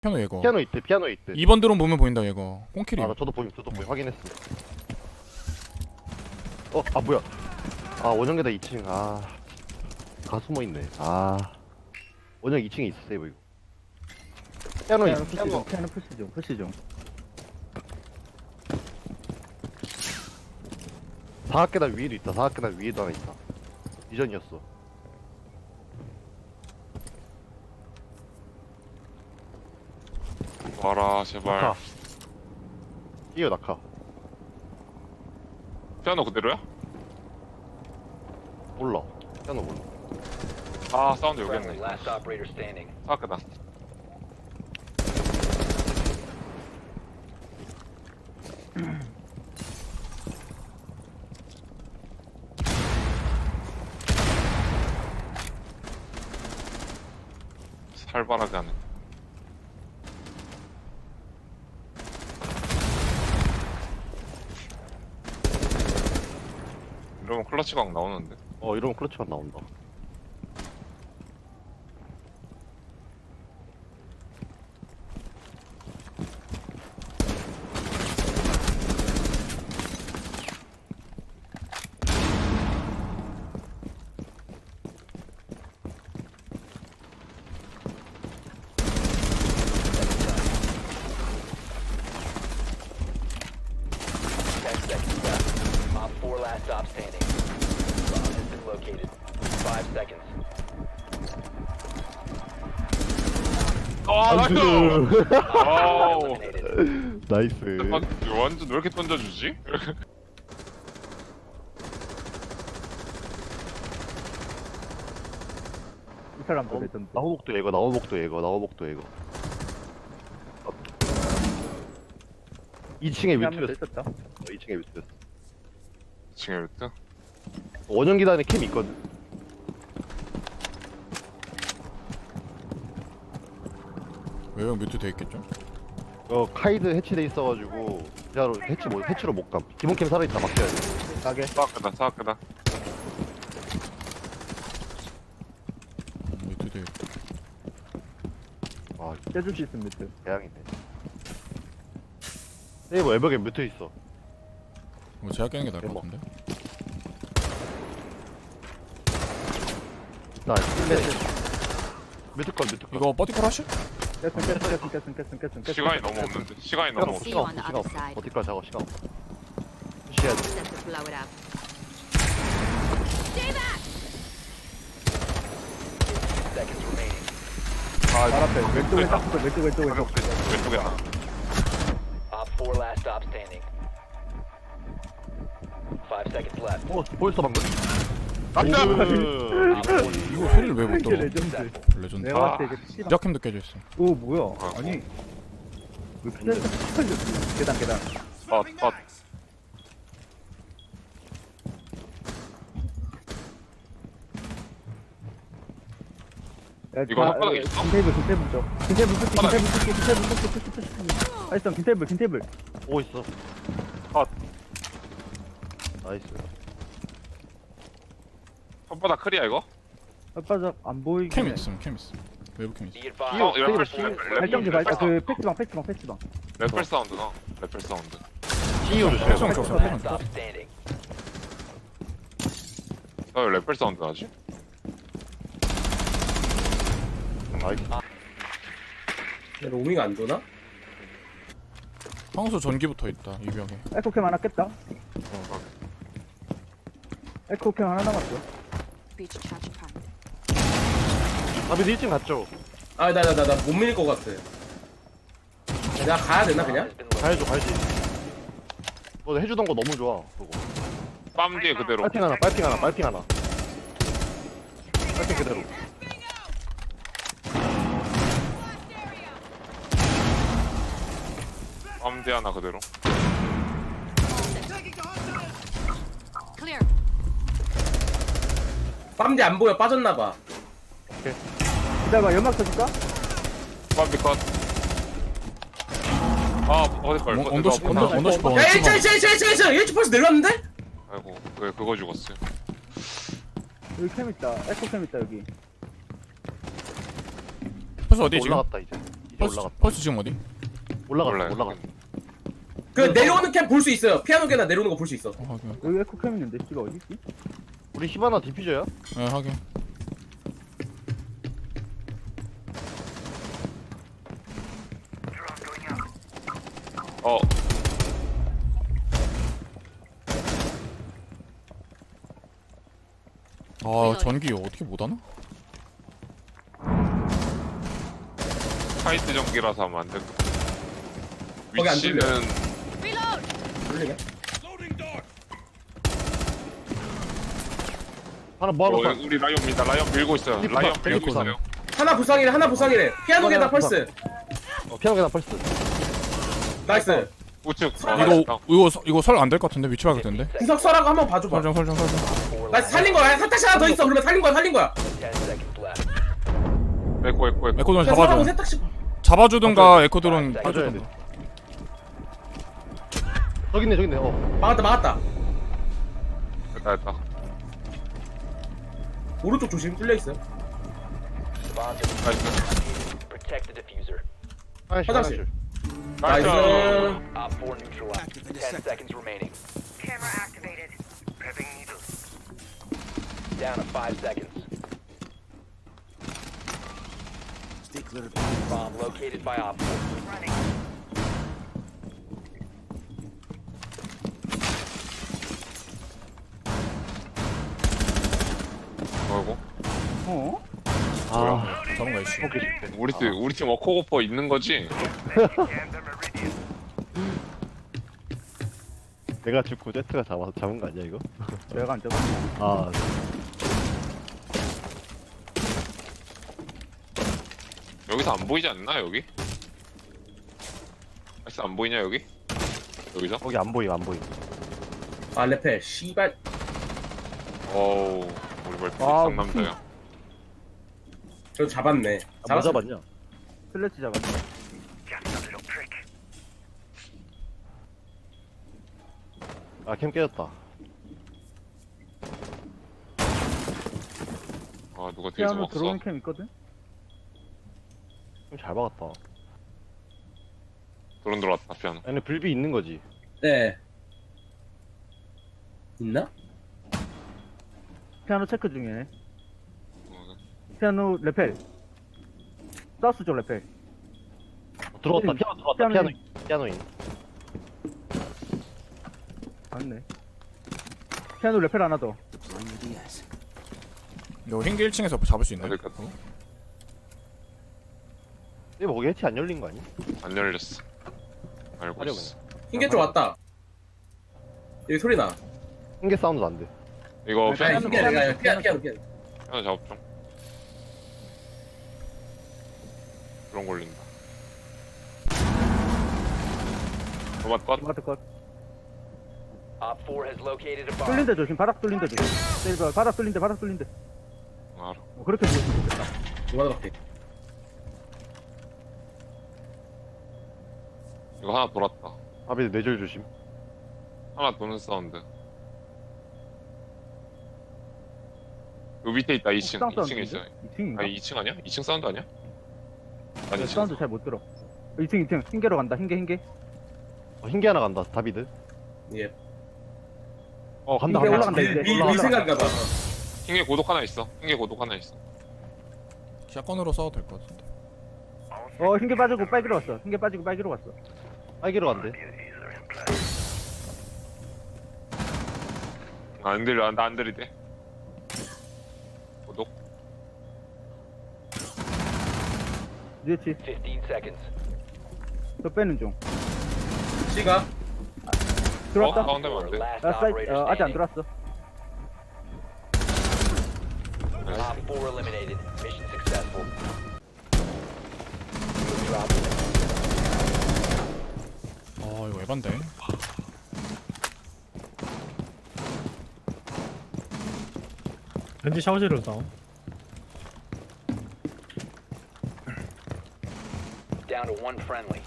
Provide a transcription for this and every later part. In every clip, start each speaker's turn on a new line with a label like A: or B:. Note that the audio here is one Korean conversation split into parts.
A: 피아노 얘거.
B: 피아노 있대, 피아노 있대.
A: 2번 드론 보면 보인다 얘거. 꽁킬이.
B: 아, 나 저도 보임, 확인했어. 아 뭐야? 아 원형계다 2층. 아, 다 숨어 있네. 아, 원형 2층에 있어 세이브 이거. 피아노 있어, 피아노.
C: 피아노 푸시 중.
B: 4학계단 위에도 있다. 4학계단 위에도 하나 있다. 이전이었어.
D: 와라 제발.
B: 낙하. 이어 낙하.
D: 피아노 그대로야?
B: 몰라. 피아노 몰라.
D: 아 사운드 여기
E: Friendly,
D: 있네.
E: last operator standing.
D: 사악하다. 살벌하게 하네. 이러면 클러치 각 나오는데.
B: 이러면 클러치가 나온다.
E: Op 4 last stop standing. Bomb has been located. 5 seconds.
D: 아 나이스. 아우.
E: Eliminated.
B: 나이스.
D: 완전 왜 이렇게 던져주지?
C: 이 사람도 레전드.
B: 나호복도 얘거, 나호복도 얘거, 나호복도 얘거. 2층에
C: 한명더
B: 위트였어.
C: 있었다.
B: 2층에 위트였어.
D: 2층에 비트?
B: 원형 계단에 캠 있거든.
A: 외형 뮤트 돼 있겠죠?
B: 카이드 해치돼 있어가지고 진짜로 해치로 못 감. 기본 캠 살아있다 막혀야 돼.
C: 가게.
D: 사악하다 사악하다.
A: 뮤트 돼 있고.
B: 와,
C: 떼줄 수 있으면 밑에.
B: 대양이네. 세이버 외벽에 뮤트 있어.
A: 이거 제가 깨는 게 나을 것
B: 대박.
A: 같은데?
B: 나 뮤트 건.
A: 이거 버티컬 하실?
C: 깼음.
D: 시간이 너무 없는데. 시간이 너무 없어.
B: 시간 없어, 시간 없어. 어디까지 작업 시간 없어. 푸시해야 돼.
F: Set to blow it up.
E: Seconds remaining.
C: 발 앞에 왼쪽.
D: 왼쪽에 하나.
E: Op 4 last stop standing. 5 seconds left.
B: 보였어 방금?
D: 낙사!
E: Op 4
A: 이거 소리를 왜 못
C: 이게
A: 들어?
C: 레전드.
A: 레전드.
C: 내가 봤을 때 이제 씨발.
A: 시작캠도 깨져 있어.
C: 오 뭐야? 아니 왜 피자를 계단.
D: 컷.
C: 야,
D: 이거 혓바닥에 있어?
C: 김테이블 쪽. 김테이블 푸시. 알았어 김테이블.
B: 오고 있어.
D: 컷.
B: 나이스.
D: 손바닥 크리야 이거?
C: 바짝 안 보이게.
A: 캠 있음. 외부 캠 있음.
E: be advised.
C: 발전기 발전 그 패스방.
D: 래펠 사운드나. 래펠 사운드.
B: CEO를
A: 패스방
B: 줘.
A: 켜서
E: Last
A: 패스방 켜.
E: stop standing.
D: 왜 래펠 사운드 나지?
B: 나이스.
G: 로밍 안 도나?
A: 황소 전기부터 있다 이 벽에.
C: 에코캠 하나 깼다. 에코캠 하나 남았어.
F: Breach charge prime.
B: 아비 1층 갔죠?
G: 아, 나 못 밀릴 것 같아. 내가 가야 되나,
E: Bomb
G: 그냥?
E: has been located.
B: 가야지. 너 해주던 거 너무 좋아. 그거.
D: 빰 뒤에 그대로.
B: 빨핑 하나. 빨핑 그대로.
D: 빰 뒤에 하나 그대로.
F: Clear.
G: 빰디 안 보여, 빠졌나봐.
C: 기다려봐 연막 쳐줄까?
D: 빰 뒤 컷. 아 어디걸?
A: 언더십 번.
G: 야, 1층 벌써 내려왔는데?
D: 아이고 왜 그거 죽었어요?
C: 여기 캠 있다. 에코캠 있다 여기.
A: 패스 어디 지금?
B: 올라갔다 이제. 올라갔다.
A: 펄스 지금 어디?
B: 올라갔어.
D: 몰라요.
B: 올라갔어.
G: 그 내려오는 캠 볼 수 있어요. 피아노 개나 내려오는 거 볼 수 있어.
A: 확인.
C: 여기 에코캠 있는데 씨가 어디 있지?
B: 우리 히바나 디퓨저야?
A: 네 확인.
D: 어
A: 아 전기 어떻게 못하나?
D: 카이트 전기라서 하면 안 돼.
G: 거기 안
D: 위치는
F: Reload!
G: 돌리게.
B: 하나 뭐 하러 가?
D: 우리 라이언 민다. 라이언 밀고 있어요.
B: 헬리콥터,
D: 라이언 밀고
B: 헬리콥터.
D: 있어요.
G: 하나 부상이래. 하나 부상이래. 피아노 개나 펄스.
B: 피아노 계단 펄스.
G: 나이스.
D: 우측.
A: 이거 설 안 될 것 같은데 위치 봐야 되는데.
G: 구석서라고 한번 봐줘봐.
A: 설정.
G: 나이스 살린 거야. 세탁시 하나 더 있어. 그러면 살린 거야.
E: 10 seconds left.
D: 에코.
A: 에코드론
G: 그냥 서라고
A: 잡아줘.
G: 세탁시.
A: 잡아주든가 에코드론
B: 맞아야 돼.
A: 빠져주든가.
B: 저기 있네.
G: 막았다.
D: 됐다.
G: 오른쪽 조심. 뚫려 있어.
E: Bomb diffuser.
D: 나이스.
E: Protect the diffuser.
G: 화장실.
D: 나이스.
E: Op 4 neutralized. 10 seconds remaining.
H: Camera activated. Prepping needles.
E: Down to 5 seconds. Bomb located by Op 4.
H: Running.
D: 뭐고?
C: 어?
B: 아,
A: 잡은 거야 씨.
D: 우리 팀 워커고퍼 있는 거지?
H: Scan the meridian.
B: 내가 죽고 제트가 잡은 거 아니야 이거?
C: 내가 안 잡았어.
B: 아,
D: 여기서 안 보이지 않나 여기? 아이스 안 보이냐 여기? 여기서?
B: 거기 안 보임.
G: 아 레펠. 씨발.
D: 어우 우리 벌써
C: 아,
D: 상남자야.
G: 저 잡았네.
B: 아, 뭐 잡았냐?
C: 슬래치 잡았어.
H: Just a little trick.
B: 아, 캠 깨졌다.
D: 아 누가 뒤에서
C: 피아노
D: 먹었어?
C: 들어오는 캠 있거든?
B: 캠 잘 박았다.
D: 드론 들어왔다 피아노.
B: 얘네 불비 있는 거지.
G: 네. 있나?
C: 피아노 체크 중이네.
D: 어,
C: 피아노 레펠. 사우스 쪽 레펠.
B: 들어왔다.
C: 음,
B: 피아노 들어왔다.
C: 피아노인.
B: 피아노인.
C: 맞네. 피아노 레펠 하나 더.
A: 이거 흰개 1층에서 잡을 수 있나?
D: 안 될 것 같아.
B: 근데 거기 해치 안 열린 거 아니?
D: 안 열렸어. 알고
B: 하려고
D: 있어.
G: 흰개 쪽 왔다. 여기 소리 나.
B: 한개 사운드 안 돼.
D: 이거
C: 네,
D: 피아노
G: 흰개 내가 피아노.
D: 피아노 작업 좀. 드론 걸린다. 로봇 컷.
C: 마트 컷.
E: Op 4 has located a bomb.
C: 뚫린데 조심. 바닥 뚫린데 조심. 세이브. 바닥 뚫린데.
D: 알아.
C: 그렇게 보였으면 좋겠다.
G: 이거밖에.
D: 이거 하나 돌았다.
B: 앞에 뇌절 조심.
D: 하나 도는 사운드. 요 밑에 있다 2층. 2층에 있어.
C: 2층인가?
D: 아니 2층 아니야? 2층 사운드 아니야? 아니 2층
C: 사운드 잘 못 들어. 2층. 흰개로 간다. 흰개.
B: 흰개 하나 간다. 다비드.
G: 예.
B: 간다.
C: 흰개
B: 간다.
C: 올라간다, 이제.
G: 미생각인가 봐.
D: 흰개 고독 하나 있어. 흰개 고독 하나 있어.
A: 샷건으로 써도 될 것 같은데.
C: 흰개 빠지고 빨기로 갔어. 흰개 빠지고 빨기로 갔어.
B: 빨기로 간대.
D: 안 들려. 나 안 들이대. 고독.
C: 뉴에치.
E: 15 seconds.
C: 저 빼는 중.
G: 씨가.
C: 들어왔다.
D: 가운데면 안 돼.
E: Last
C: 아, 사이트.
E: operator
C: 아직 안
E: standing.
C: 들어왔어.
E: Op 4 eliminated. Mission successful. You have dropped it.
A: 아 이거 에반데.
I: 왠지 샤워실로 싸워.
E: Down to one friendly.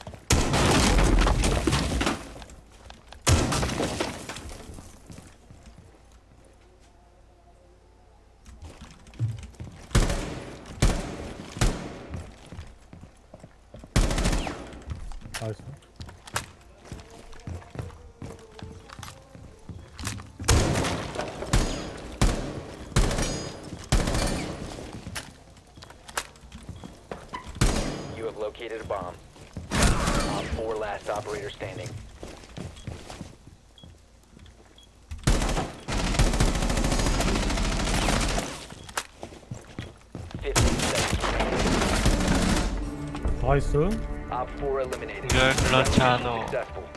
C: 나이스.
E: You have located a bomb. Op 4 last operator standing.
C: 나이스.
E: Op 4 eliminated.
I: 그렇지 않아.
E: Successful.